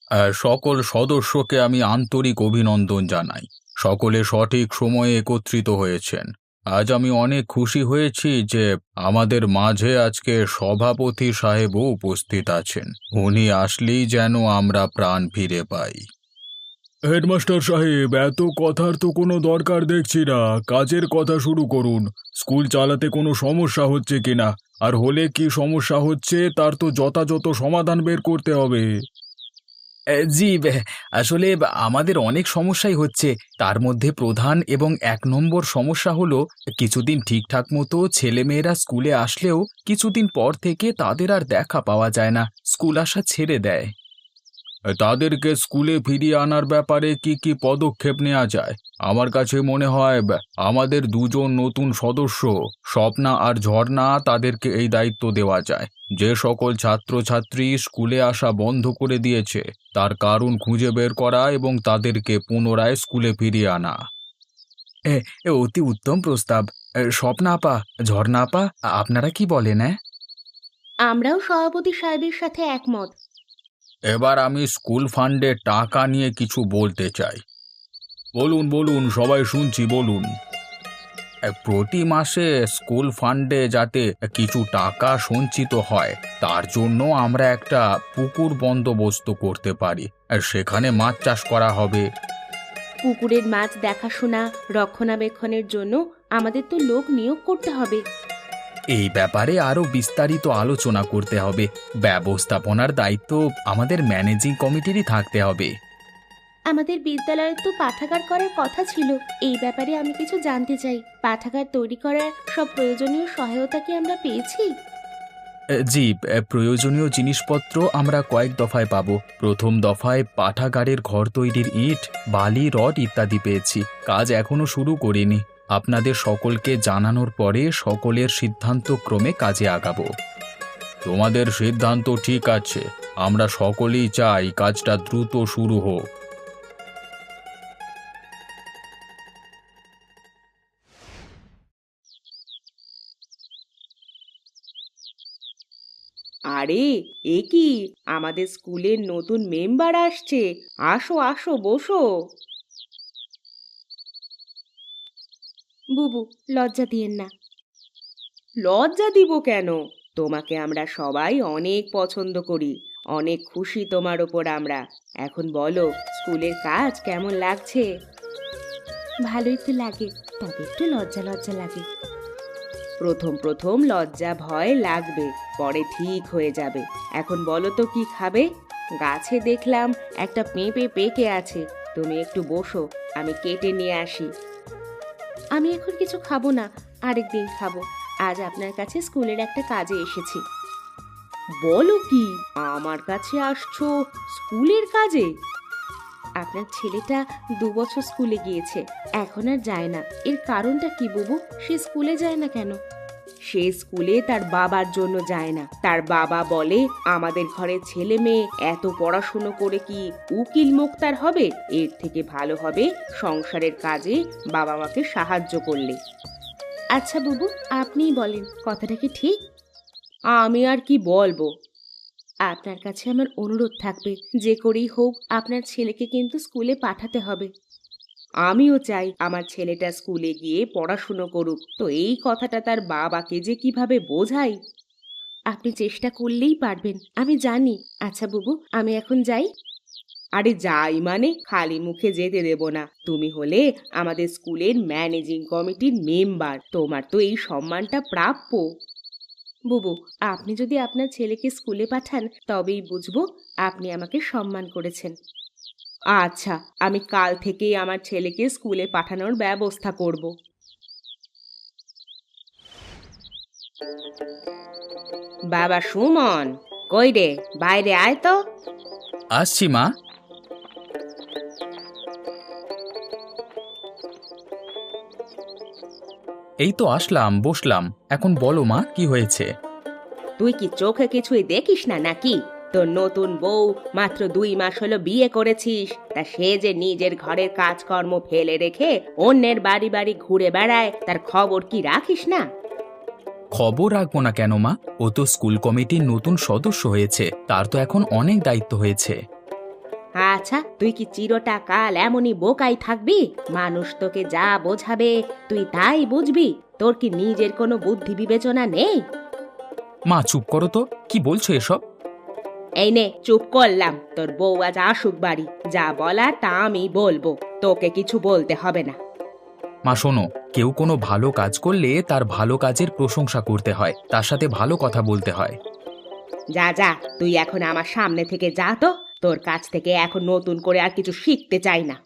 সকল সদস্যকে আমি আন্তরিক অভিনন্দন জানাই। সকলে সঠিক সময়ে একত্রিত হয়েছেন। আজ আমি অনেক খুশি হয়েছি যে আমাদের মাঝে আজকে সভাপতি সাহেবও উপস্থিত আছেন। উনি আসলেই যেন আমরা প্রাণ ফিরে পাই। হেডমাস্টার সাহেব, এত কথার তো কোনো দরকার দেখছি না। কাজের কথা শুরু করুন। স্কুল চালাতে কোনো সমস্যা হচ্ছে কিনা, আর হলে কি সমস্যা হচ্ছে তার তো যথাযথ সমাধান বের করতে হবে। জি, আসলে আমাদের অনেক সমস্যাই হচ্ছে। তার মধ্যে প্রধান এবং ১ নম্বর সমস্যা হলো, কিছুদিন ঠিকঠাক মতো ছেলেমেয়েরা স্কুলে আসলেও কিছুদিন পর থেকে তাদের আর দেখা পাওয়া যায় না, স্কুল আসা ছেড়ে দেয়। তাদেরকে স্কুলে ফিরিয়ে আনার ব্যাপারে কি কি পদক্ষেপ নেওয়া যায়? আমার কাছে মনে হয় আমাদের দুজন নতুন সদস্য, স্বপ্না আর ঝর্ণা, তাদেরকে এই দায়িত্ব দেওয়া যায়। যে সকল ছাত্রছাত্রী স্কুলে আসা বন্ধ করে দিয়েছে তার কারণ খুঁজে বের করা এবং তাদেরকে পুনরায় স্কুলে ফিরিয়ে আনা। এ এ অতি উত্তম প্রস্তাব। স্বপ্না আপা, ঝর্ণা আপা, আপনারা কি বলেন? আমরাও সভাপতি সাহেবের সাথে একমত। এবার আমি স্কুল ফান্ডে টাকা নিয়ে কিছু বলতে চাই। বলুন বলুন, সবাই শুনছি, বলুন। প্রতি মাসে স্কুল ফান্ডে যাতে কিছু টাকা সঞ্চিত হয়, তার জন্য আমরা একটা পুকুর বন্দোবস্ত করতে পারি। সেখানে মাছ চাষ করা হবে। পুকুরের মাছ দেখাশোনা, রক্ষণাবেক্ষণের জন্য আমাদের তো লোক নিয়োগ করতে হবে। এই ব্যাপারে আরো বিস্তারিত আলোচনা করতে হবে। ব্যবস্থাপনার দায়িত্ব আমাদের ম্যানেজিং কমিটিরই থাকতে হবে। আমাদের বিদ্যালয়ে তো পাঠাগার করার কথা ছিল। এই ব্যাপারে আমি কিছু জানতে চাই। পাঠাগার তৈরি করার সব প্রয়োজনীয় সহায়তা কি আমরা পেয়েছি? জি, প্রয়োজনীয় জিনিসপত্র আমরা কয়েক দফায় পাব। প্রথম দফায় পাঠাগারের ঘর তৈরির ইট, বালি, রড ইত্যাদি পেয়েছি। কাজ এখনো শুরু করিনি। আপনাদের সকলকে জানানোর পরে সকলের সিদ্ধান্ত ক্রমে কাজে আগাবো। তোমাদের সিদ্ধান্ত ঠিক আছে। আমরা সকলেই চাই কাজটা দ্রুত শুরু হোক। আরে, এ কি, আমাদের স্কুলের নতুন মেম্বার আসছে। আসো আসো, বসো। বুবু, লজ্জা দিয়েন না। লজ্জা দিব কেন? তোমাকে আমরা সবাই অনেক পছন্দ করি। অনেক খুশি তোমার ওপর আমরা। এখন বলো, স্কুলের কাজ কেমন লাগছে? ভালোই তো লাগে, তবে একটু লজ্জা লজ্জা লাগে। প্রথম প্রথম লজ্জা ভয় লাগবে, পরে ঠিক হয়ে যাবে। এখন বলো তো কি খাবে? গাছে দেখলাম একটা পেঁপে পেকে আছে। তুমি একটু বসো, আমি কেটে নিয়ে আসি। আমি এখন কিছু খাবো না, আরেকদিন খাবো। আজ আপনার কাছে স্কুলের একটা কাজে এসেছি। বলো কি, আমার কাছে আসছো স্কুলের কাজে? আপনার ছেলেটা 2 বছর স্কুলে গিয়েছে, এখন আর যায় না। এর কারণটা কি বুবু? সে স্কুলে যায় না কেন? সে স্কুলে তার বাবার জন্য যায় না। তার বাবা বলে, আমাদের ঘরের ছেলে মেয়ে এত পড়াশুনো করে কি উকিল মোক্তার হবে? এর থেকে ভালো হবে সংসারের কাজে বাবা মাকে সাহায্য করলে। আচ্ছা বুবু, আপনিই বলেন, কথাটা কি ঠিক? আমি আর কি বলবো? আপনার কাছে আমার অনুরোধ থাকবে, যে করেই হোক আপনার ছেলেকে কিন্তু স্কুলে পাঠাতে হবে। আমিও চাই আমার ছেলেটা স্কুলে গিয়ে পড়াশুনো করুক, তো এই কথাটা তার বাবাকে যে কিভাবে বোঝাই। আপনি চেষ্টা করলেই পারবেন, আমি জানি। আচ্ছা বুবু, আমি এখন যাই। আরে যাই মানে, খালি মুখে যেতে দেব না। তুমি হলে আমাদের স্কুলের ম্যানেজিং কমিটির মেম্বার, তোমার তো এই সম্মানটা প্রাপ্য। বুবু, আপনি যদি আপনার ছেলেকে স্কুলে পাঠান তবেই বুঝবো আপনি আমাকে সম্মান করেছেন। আচ্ছা, আমি কাল থেকেই আমার ছেলেকে স্কুলে পাঠানোর ব্যবস্থা করব। বাবা সুমন, কই রে, বাইরে আয় তো। আসছি মা। এই তো আসলাম, বসলাম। এখন বলো মা, কি হয়েছে? তুই কি চোখে কিছুই দেখিস না নাকি? তোর নতুন বউ মাত্র 2 মাস হলো বিয়ে করেছিস, তা সে যে নিজের ঘরের কাজকর্ম ফেলে রেখে অন্যের বাড়ি বাড়ি ঘুরে বেড়ায়, তার খবর কি রাখিস না? খবর রাখবো না কেন মা? ও তো স্কুল কমিটির নতুন সদস্য হয়েছে, তার তো এখন অনেক দায়িত্ব হয়েছে। আচ্ছা, তুই কি চিরটা কাল এমনই বোকাই থাকবি? মানুষ তোকে যা বোঝাবে তুই তাই বুঝবি? তোর কি নিজের কোনো বুদ্ধি বিবেচনা নেই? মা চুপ করো তো, কি বলছো এসব? এই নে, চুপ করলাম। তোর বউ আজ আসুক বাড়ি, যা বলার তা আমি বলবো, তোকে কিছু বলতে হবে না। মা শোনো, কেউ কোনো ভালো কাজ করলে তার ভালো কাজের প্রশংসা করতে হয়, তার সাথে ভালো কথা বলতে হয়। যা যা, তুই এখন আমার সামনে থেকে যা তো। তোর কাছ থেকে এখন নতুন করে আর কিছু শিখতে চাই না।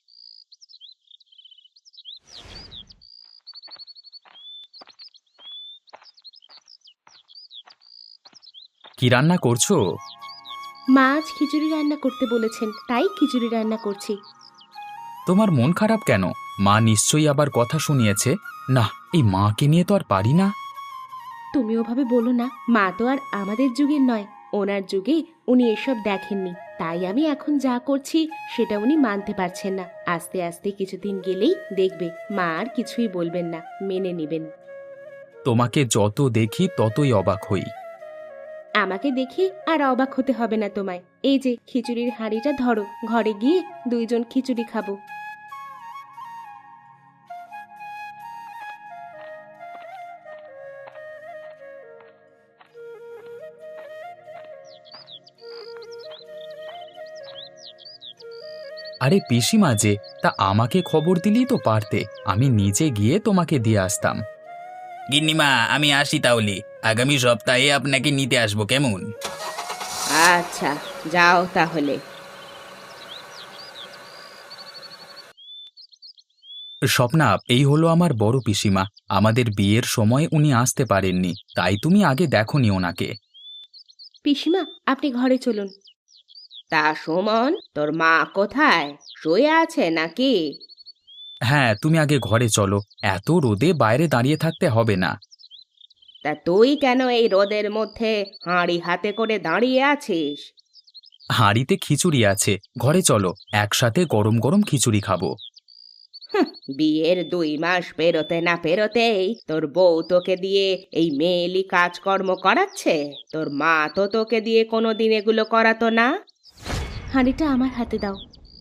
কি রান্না করছো? মাছ খিচুড়ি রান্না করতে বলেছেন, তাই খিচুড়ি রান্না করছি। তোমার মন খারাপ কেন? মা নিশ্চয়ই আবার কথা শুনিয়েছে। না, এই মাকে নিয়ে তো আর পারি না। তুমি ওভাবে বলো না, মা তো আর আমাদের যুগের নয়। ওনার যুগে উনি এসব দেখেননি, তাই আমি এখন যা করছি সেটা উনি মানতে পারছেন না। আস্তে আস্তে কিছুদিন গেলেই দেখবে মা আর কিছুই বলবেন না, মেনে নেবেন। তোমাকে যত দেখি ততই অবাক হই। আমাকে দেখে আর অবাক হতে হবে না তোমায়। এই যে খিচুড়ির হাঁড়িটা ধরো, ঘরে গিয়ে দুইজন খিচুড়ি খাবো। আরে পিসিমা যে, তা আমাকে খবর দিলেই তো পারতে, আমি নিজে গিয়ে তোমাকে দিয়ে আসতাম। গিন্নিমা, আমি আসি তাহলে। আগামী সপ্তাহে আপনাকে নিতে আসবো, কেমন? আচ্ছা, যাও তাহলে। স্বপ্না, এই হলো আমার বড় পিসিমা। আমাদের বিয়ের সময় উনি আসতে পারেননি, তাই তুমি আগে দেখোনি ওনাকে। পিসিমা, আপনি ঘরে চলুন। তা সুমন, তোর মা কোথায়? শুয়ে আছে নাকি? হ্যাঁ, তুমি আগে ঘরে চলো, এত রোদে বাইরে দাঁড়িয়ে থাকতে হবে না। তা তুই কেন এই রোদের মধ্যে হাঁড়ি হাতে করে দাঁড়িয়ে আছিস? হাঁড়িতে খিচুড়ি আছে, ঘরে চলো, একসাথে গরম গরম খিচুড়ি খাবো। বিয়ের 2 মাস পেরোতে না পেরোতেই তোর বউ তোকে দিয়ে এই মেয়েলি কাজকর্ম করাচ্ছে? তোর মা তো তোকে দিয়ে কোনোদিন এগুলো করাতো না। হাঁড়িটা আমার হাতে দাও।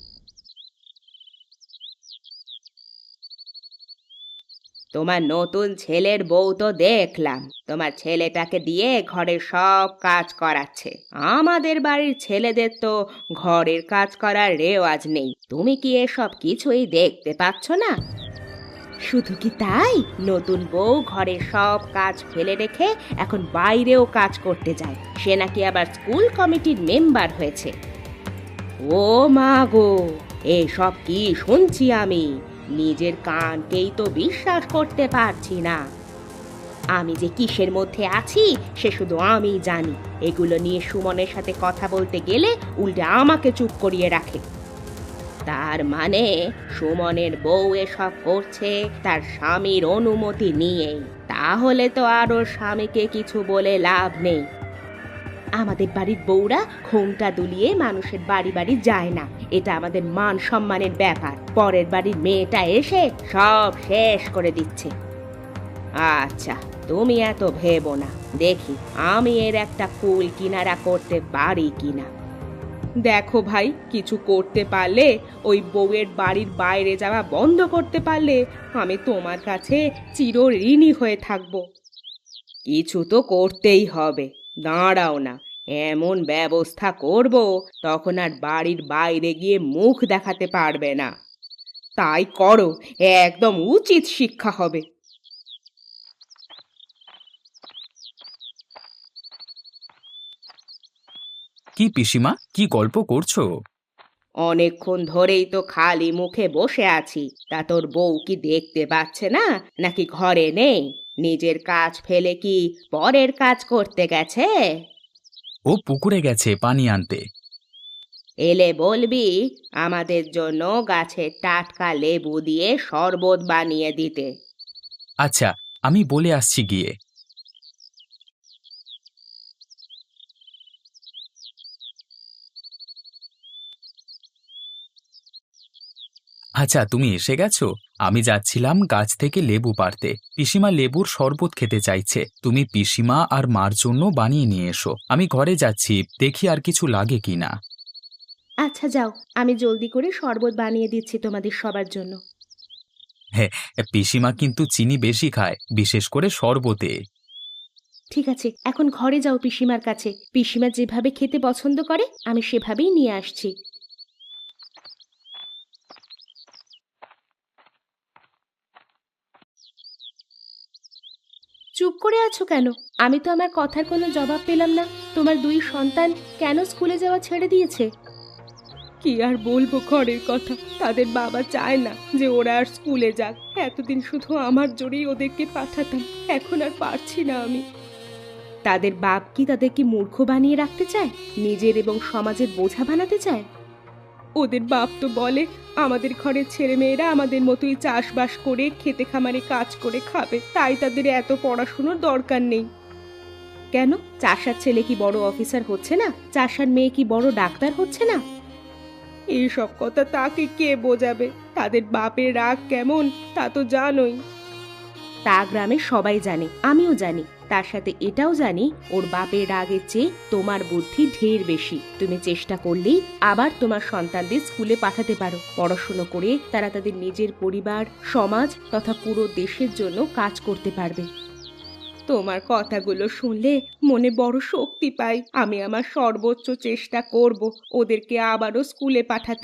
তোমার নতুন ছেলের বউ তো দেখলাম, তোমার ছেলেটাকে দিয়ে ঘরের সব কাজ করাচ্ছে। আমাদের বাড়ির ছেলেদের তো ঘরের কাজ করার রেওয়াজ নেই। তুমি কি এসব কিছুই দেখতে পাচ্ছ না? শুধু কি তাই, নতুন বউ ঘরের সব কাজ ফেলে রেখে এখন বাইরেও কাজ করতে যায়। সে নাকি আবার স্কুল কমিটির মেম্বার হয়েছে। ও মা গো, এসব কি শুনছি আমি? নিজের কানকেই তো বিশ্বাস করতে পারছি না। আমি যে কিসের মধ্যে আছি সে শুধু আমিই জানি। এগুলো নিয়ে সুমনের সাথে কথা বলতে গেলে উল্টে আমাকে চুপ করিয়ে রাখে। তার মানে সুমনের বউ এসব করছে তার স্বামীর অনুমতি নিয়েই। তাহলে তো আর ওর স্বামীকে কিছু বলে লাভ নেই। আমাদের বাড়ির বউরা ঘোমটা দুলিয়ে মানুষের বাড়ি বাড়ি যায় না, এটা আমাদের মান সম্মানের ব্যাপার। পরের বাড়ির মেয়েটা এসে সব শেষ করে দিচ্ছে। আচ্ছা, তুমি এত ভেবো না, দেখি আমি এর একটা কুল কিনারা করতে পারি কিনা। দেখো ভাই, কিছু করতে পারলে, ওই বউয়ের বাড়ির বাইরে যাওয়া বন্ধ করতে পারলে আমি তোমার কাছে চিরঋণী হয়ে থাকবো। কিছু তো করতেই হবে, দাঁড়াও না, এমন ব্যবস্থা করব তখন আর বাড়ির বাইরে গিয়ে মুখ দেখাতে পারবে না। তাই করো, একদম উচিত শিক্ষা হবে। কি পিসিমা, কি গল্প করছো? অনেকক্ষণ ধরেই তো খালি মুখে বসে আছি, তা তোর বউ কি দেখতে পাচ্ছে না নাকি ঘরে নেই? নিজের কাজ ফেলে কি পরের কাজ করতে গেছে? ও পুকুরে গেছে পানি আনতে। এলে বলবি আমাদের জন্য গাছের টাটকা লেবু দিয়ে শরবত বানিয়ে দিতে। আচ্ছা, আমি বলে আসছি গিয়ে। আচ্ছা, তুমি এসে গেছো। আমি যাচ্ছিলাম গাছ থেকে লেবু পাড়তে। পিসিমা লেবুর শরবত খেতে চাইছে, তুমি পিসিমা আর মার জন্য বানিয়ে নিয়ে এসো। আমি ঘরে যাচ্ছি, দেখি আর কিছু লাগে কিনা। আচ্ছা যাও, আমি জলদি করে শরবত বানিয়ে দিচ্ছি তোমাদের সবার জন্য। হ্যাঁ, পিসিমা কিন্তু চিনি বেশি খায়, বিশেষ করে শরবতে। ঠিক আছে, এখন ঘরে যাও পিসিমার কাছে। পিসিমা যেভাবে খেতে পছন্দ করে আমি সেভাবেই নিয়ে আসছি। চুপ করে আছো কেন? আমি তো আমার কথার কোনো জবাব পেলাম না। তোমার দুই সন্তান কেন স্কুলে যাওয়া ছেড়ে দিয়েছে? কি আর বলবো ঘরের কথা, তাদের বাবা চায় না যে ওরা আর স্কুলে যাক। এতদিন শুধু আমার জোরেই ওদেরকে পাঠাতাম, এখন আর পারছি না আমি। তাদের বাপ কি তাদেরকে মূর্খ বানিয়ে রাখতে চায়, নিজের এবং সমাজের বোঝা বানাতে চায়? ওদের বাপ তো বলে আমাদের ঘরের ছেলেমেয়েরা আমাদের মতোই চাষবাস করে খেতে খামারে কাজ করে খাবে, তাই তাদের এত পড়াশুনোর দরকার নেই। কেন, চাষার ছেলে কি বড় অফিসার হচ্ছে না? চাষার মেয়ে কি বড় ডাক্তার হচ্ছে না? এইসব কথা তাকে কে বোঝাবে? তাদের বাপের রাগ কেমন তা তো জানোই। তা গ্রামে সবাই জানে, আমিও জানি। তার সাথে এটাও জানি ওর বাপের রাগের চেয়ে তোমার বুদ্ধি ঢের বেশি। তুমি চেষ্টা করলেই আবার তোমার সন্তানদের স্কুলে পাঠাতে পারো। পড়াশুনো করে তারা তাদের নিজের পরিবার, সমাজ তথা পুরো দেশের জন্য কাজ করতে পারবে। তোমার কথাগুলো শুনলে মনে বড় শক্তি পাই। আমি আমার সর্বোচ্চ চেষ্টা করব ওদেরকে আবারও স্কুলে পাঠাতে।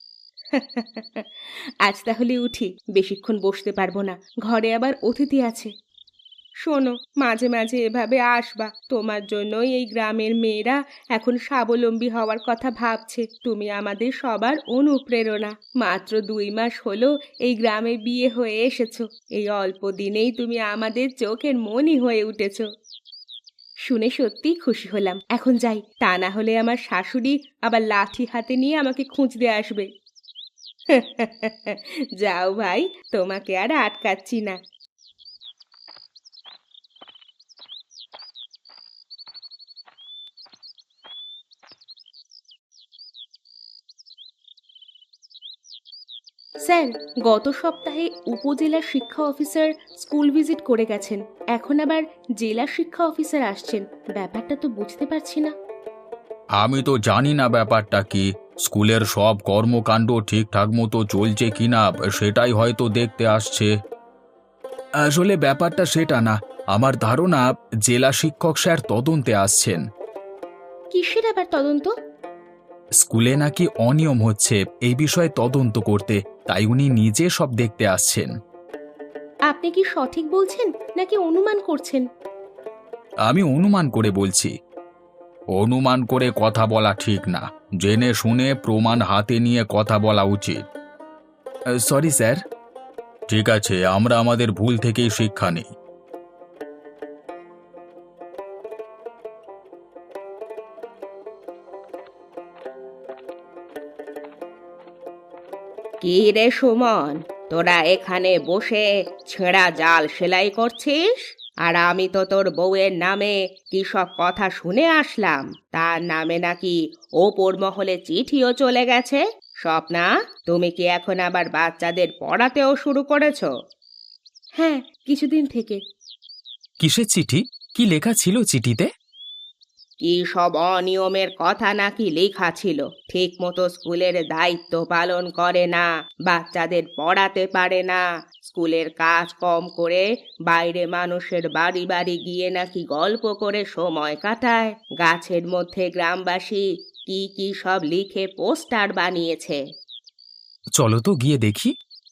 আজ তাহলে উঠি, বেশিক্ষণ বসতে পারবো না, ঘরে আবার অতিথি আছে। শোনো, মাঝে মাঝে এভাবে আসবা। তোমার জন্যই এই গ্রামের মেয়েরা এখন স্বাবলম্বী হওয়ার কথা ভাবছে। তুমি আমাদের সবার অনুপ্রেরণা। মাত্র 2 মাস হলো এই গ্রামে বিয়ে হয়ে এসেছো। এই অল্প দিনেই তুমি আমাদের চোখের মণি হয়ে উঠেছো। শুনে সত্যিই খুশি হলাম। এখন যাই, তা না হলে আমার শাশুড়ি আবার লাঠি হাতে নিয়ে আমাকে খুঁজতে আসবে। যাও ভাই, তোমাকে আর আটকাচ্ছি না। স্যার, গত সপ্তাহে উপজেলা শিক্ষা অফিসার স্কুল ভিজিট করে গেছেন, এখন আবার জেলা শিক্ষা অফিসার আসছেন। ব্যাপারটা তো বুঝতে পারছি না। আমি তো জানি না ব্যাপারটা কি। স্কুলের সব কর্মকাণ্ড ঠিকঠাক মতো চলছে কিনা সেটাই হয়তো দেখতে আসছে। আসলে ব্যাপারটা সেটা না। আমার ধারণা জেলা শিক্ষক স্যার তদন্তে আসছেন। কিসের আবার তদন্ত? স্কুলে নাকি অনিয়ম হচ্ছে, এই বিষয়ে তদন্ত করতে, তাই উনি নিজে সব দেখতে আসছেন। আপনি কি সঠিক বলছেন নাকি অনুমান করছেন? আমি অনুমান করে বলছি। অনুমান করে কথা বলা ঠিক না, জেনে শুনে প্রমাণ হাতে নিয়ে কথা বলা উচিত। Sorry sir. ঠিক আছে, আমরা আমাদের ভুল থেকেই শিক্ষা নিই। কি রে সুমন, তোরা এখানে বসে ছেঁড়া জাল সেলাই করছিস? আর আমি তো তোর বউয়ের নামে কি সব কথা শুনে আসলাম। তার নামে নাকি ওপর মহলে চিঠিও চলে গেছে। স্বপ্না, তুমি কি এখন আবার বাচ্চাদের পড়াতেও শুরু করেছো? হ্যাঁ, কিছুদিন থেকে। কিসের চিঠি? কি লেখা ছিল চিঠিতে? কি সব অনিয়মের কথা নাকি লেখা ছিল। ঠিক মতো স্কুলের দায়িত্ব পালন করে না, বাচ্চাদের পড়াতে পারে না, স্কুলের কাজ কম করে বাইরে মানুষের বাড়ি বাড়ি গিয়ে নাকি গল্প করে সময় কাটায়। গাছের মধ্যে গ্রামবাসী কি কি সব লিখে পোস্টার বানিয়েছে। চলো তো গিয়ে দেখি।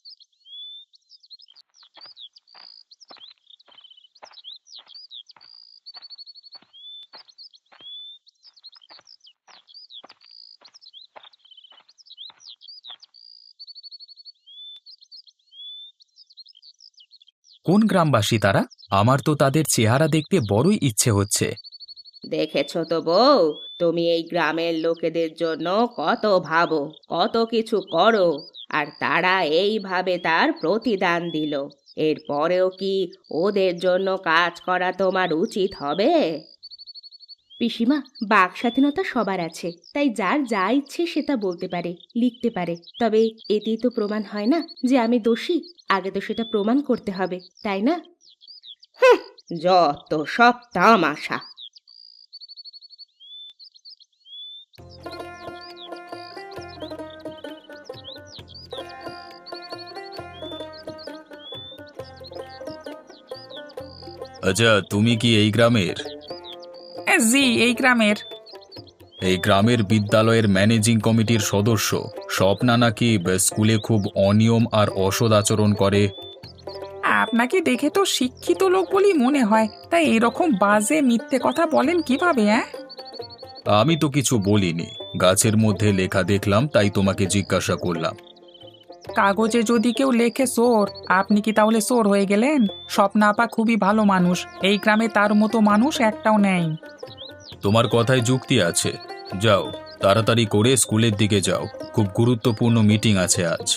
কোন গ্রামবাসী তারা? আমার তো তাদের চেহারা দেখতে বড়ই ইচ্ছে হচ্ছে। দেখেছো তো বউ, তুমি এই গ্রামের লোকেদের জন্য কত ভাবো, কত কিছু করো, আর তারা এইভাবে তার প্রতিদান দিল। এরপরেও কি ওদের জন্য কাজ করা তোমার উচিত হবে? পিসিমা, বাক স্বাধীনতা সবার আছে, তাই যার যা ইচ্ছে সে তা বলতে পারে, লিখতে পারে। তবে এতেই তো প্রমাণ হয় না যে আমি দোষী। আগে তো সেটা প্রমাণ করতে হবে, তাই না? যত সব তামাশা। আচ্ছা, তুমি কি এই গ্রামের? জি, এই গ্রামের। এই গ্রামের বিদ্যালয়ের ম্যানেজিং কমিটির সদস্য স্বপ্না নাকি স্কুলে খুব অনিয়ম আর অসৎ আচরণ করে। আপনাকে দেখে তো শিক্ষিত লোক বলেই মনে হয়, তাই এরকম বাজে মিথ্যে কথা বলেন কিভাবে? হ্যাঁ, আমি তো কিছু বলিনি, গাছের মধ্যে লেখা দেখলাম তাই তোমাকে জিজ্ঞাসা করলাম। কাগজে যদি কেউ লেখে চোর, আপনি কি তাহলে চোর হয়ে গেলেন? স্বপ্না আপা খুবই ভালো মানুষ, এই গ্রামে তার মতো মানুষ একটাও নেই। তোমার কথায় যুক্তি আছে। যাও, তাড়াতাড়ি করে স্কুলের দিকে যাও, খুব গুরুত্বপূর্ণ মিটিং আছে আজ।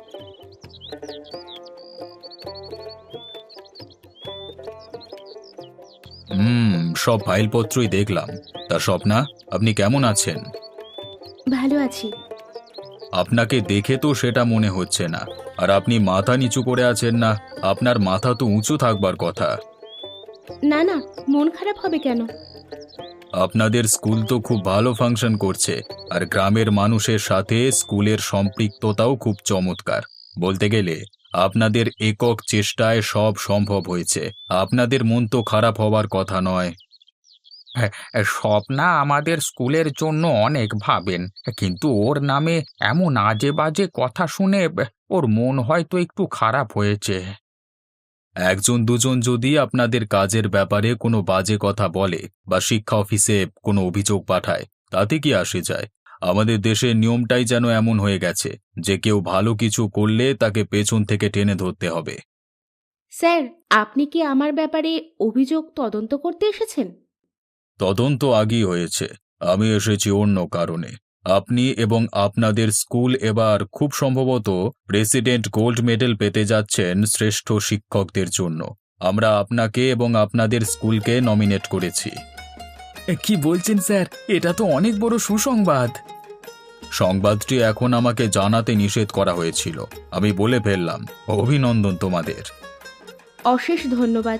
সব ফাইলপত্রই দেখলাম। তা স্বপ্না, আপনি কেমন আছেন? ভালো আছি। আপনাকে দেখে তো সেটা মনে হচ্ছে না। আর আপনি মাথা নিচু করে আছেন না, আপনার মাথা তো উঁচু থাকবার কথা। না না, মন খারাপ হবে কেন? আপনাদের স্কুল তো খুব ভালো ফাংশন করছে, আর গ্রামের মানুষের সাথে স্কুলের সম্পৃক্ততাও খুব চমৎকার। বলতে গেলে আপনাদের একক চেষ্টায় সব সম্ভব হয়েছে। আপনাদের মন তো খারাপ হবার কথা নয়। হ্যাঁ, স্বপ্না আমাদের স্কুলের জন্য অনেক ভাবেন, কিন্তু ওর নামে এমন আজে বাজে কথা শুনে ওর মন হয়তো একটু খারাপ হয়েছে। একজন দুজন যদি আপনাদের কাজের ব্যাপারে কোনো বাজে কথা বলে বা শিক্ষা অফিসে কোনো অভিযোগ পাঠায়, তাতে কি আসে যায়? আমাদের দেশের নিয়মটাই যেন এমন হয়ে গেছে যে কেউ ভালো কিছু করলে তাকে পেছন থেকে টেনে ধরতে হবে। স্যার, আপনি কি আমার ব্যাপারে অভিযোগ তদন্ত করতে এসেছেন? তদন্ত আগেই হয়েছে, আমি এসেছি অন্য কারণে। আপনি এবং আপনাদের স্কুল এবার খুব সম্ভবত প্রেসিডেন্ট গোল্ড মেডেল পেতে যাচ্ছেন শ্রেষ্ঠ শিক্ষকদের জন্য। আমরা আপনাকে এবং আপনাদের স্কুলকে নমিনেট করেছি। কি বলছেন স্যার? এটা তো অনেক বড় সুসংবাদ। সংবাদটি এখন আমাকে জানাতে নিষেধ করা হয়েছিল, আমি বলে ফেললাম। অভিনন্দন তোমাদের। অশেষ ধন্যবাদ।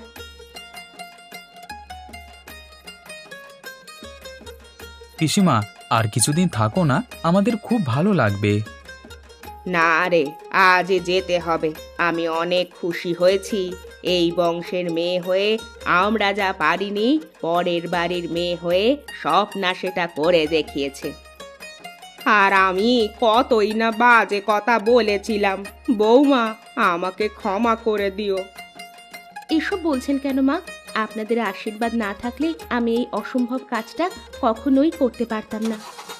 পিসিমা, আর কিছুদিন থাকো না, আমাদের খুব ভালো লাগবে। না রে, আজ যেতে হবে। আমি অনেক খুশি হয়েছি। এই বংশের মেয়ে হয়ে আমরা যা পারিনি, পরের বাড়ির মেয়ে হয়ে স্বপ্না সেটা করে দেখিয়েছে। আর আমি কতই না বাজে কথা বলেছিলাম। বৌমা, আমাকে ক্ষমা করে দিও। এসব বলছেন কেন মা? আপনাদের আশীর্বাদ না থাকলে আমি এই অসম্ভব কাজটা কখনোই করতে পারতাম না।